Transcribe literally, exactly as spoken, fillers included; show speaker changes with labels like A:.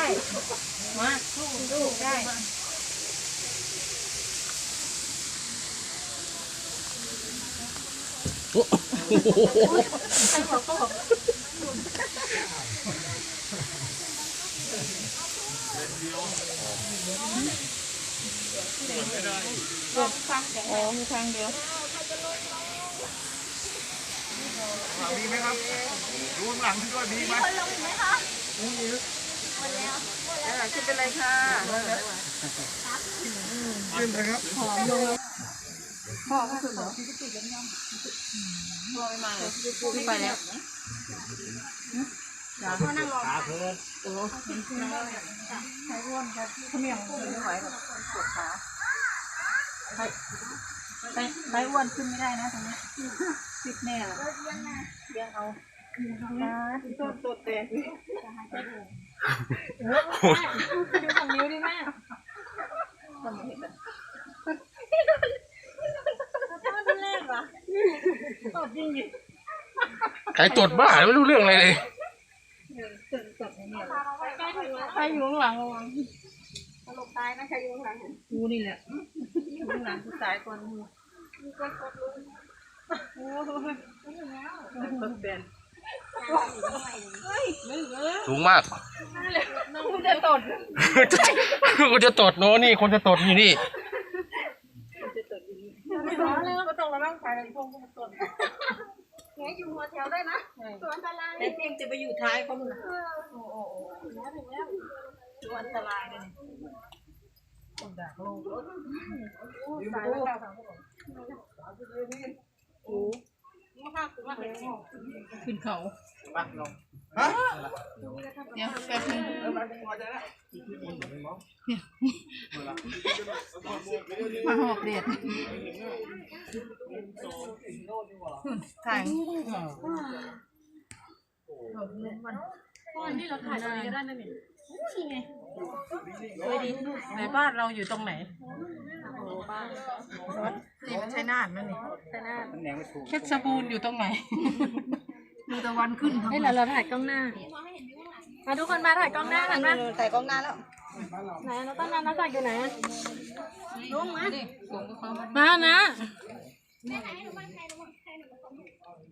A: มาสู้สู้ได้
B: โอ้โห
A: ใครบอกก็บอกอ๋อมีทางเดียว
C: มีไหมครับดูข้างหลังด้วยมีไหมคนลงไหมคะมีหมดแล้วขึ้นไปเลยค่ะขึ้นไปครับหอมลงพ่อก็คือเหรอพ่อไม่มาเลยไม่ไปแล้วพ่อนั่งรอขาเพิ่นโอ้ใช้ร่วมครับขมิ้นไม่ไหวแบบปวดขาใช้ใช้อ้วนขึ้นไม่ได้นะตรงนี้ติดแน่เลยเลี้ยงเอาตัวตัวเตะดูของนิ้วดิแม่ทำไมเห็นแบบตอนแรกวะตดจริงดิ
B: ใครตดบ้าไม่รู้เรื่องอะไรเลย
A: ใครอยู่ข้างหลังระวัง
C: ตลกตายนะใครอยู่ข้างหลัง
A: กูนี่แหละอยู่ข้างหลังกูตายก่อนมึง
C: มีคนกดลุง
A: โอ้ยตดแบน
B: สูงมาก
A: กูจะตด
B: กูจะตดโน่นี่คนจะตดอยู่นี่
A: ไม่ร้อนเลยก็ต้องระวังไปเลยพวกมันตด
C: แง่อยู่หัวแถวได้นะตัวอันตราย
A: แต่เพียงจะไปอยู่ท้ายเขาหนึ่งโอ้โหตัวอันตรายเลยต้องด่าโลกตายแล้วโอ้ขึ้นเขา
C: ฮะ
A: เดี๋ยวแป๊บนึงมาหอกเด็ดถ่ายนี่เราถ่ายตรงนี้ก็ได้นะเนี่ยนี่ไงสวยดีไหนบ้านเราอยู่ตรงไหนโอ้บ้านนี่มันใช่นาดมั้ยนี่ใช่นาดเพชรบูรณ์อยู่ตรงไหนดูตะวันขึ้นทำไมเราเราถ่ายกล้องหน้ามาทุกคนมาถ่ายกล้องหน้ากันนะ
C: ถ่ายกล้องหน้าแล้ว
A: ไหนเราตั้งนานน้าจักอยู่ไหนลุงมามานะ